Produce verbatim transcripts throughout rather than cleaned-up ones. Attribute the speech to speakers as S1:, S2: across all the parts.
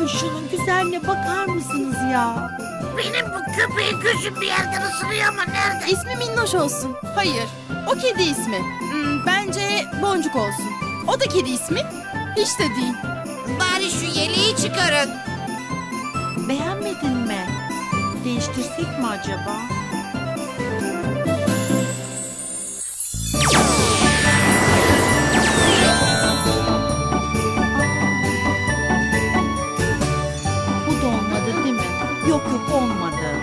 S1: Ay şunun güzelliğine bakar mısınız ya?
S2: Benim bu köpeğin gözüm bir yerden ısırıyor ama nerede?
S3: İsmi Minnoş olsun. Hayır, o kedi ismi. Hmm, bence Boncuk olsun. O da kedi ismi. Hiç de değil.
S2: Bari şu yeleği çıkarın.
S1: Beğenmedin mi? Değiştirsek mi acaba? Bu da olmadı değil mi? Yok yok olmadı.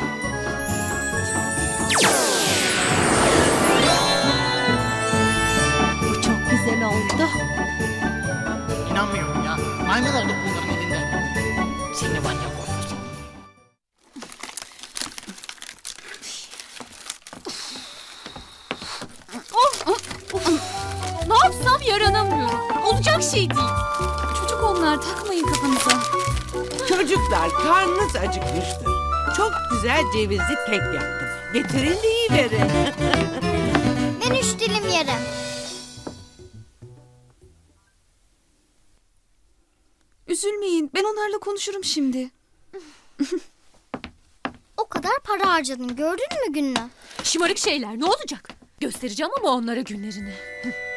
S1: Bu çok güzel oldu.
S2: İnanmıyorum ya. Maymun olduk bunların elinde. Seni var ya korkusun.
S4: Ne yapsam yaranamıyorum. Olacak şey değil. Çocuk onlar, takmayın kafanıza.
S5: Çocuklar karnınız acıkmıştır. Çok güzel cevizli kek yaptım. Getirin de yiyiverin.
S6: Ben üç dilim yerim.
S4: Üzülmeyin, ben onlarla konuşurum şimdi.
S6: O kadar para harcadın gördün mü Güllü?
S7: Şımarık şeyler ne olacak? Göstereceğim ama onlara günlerini.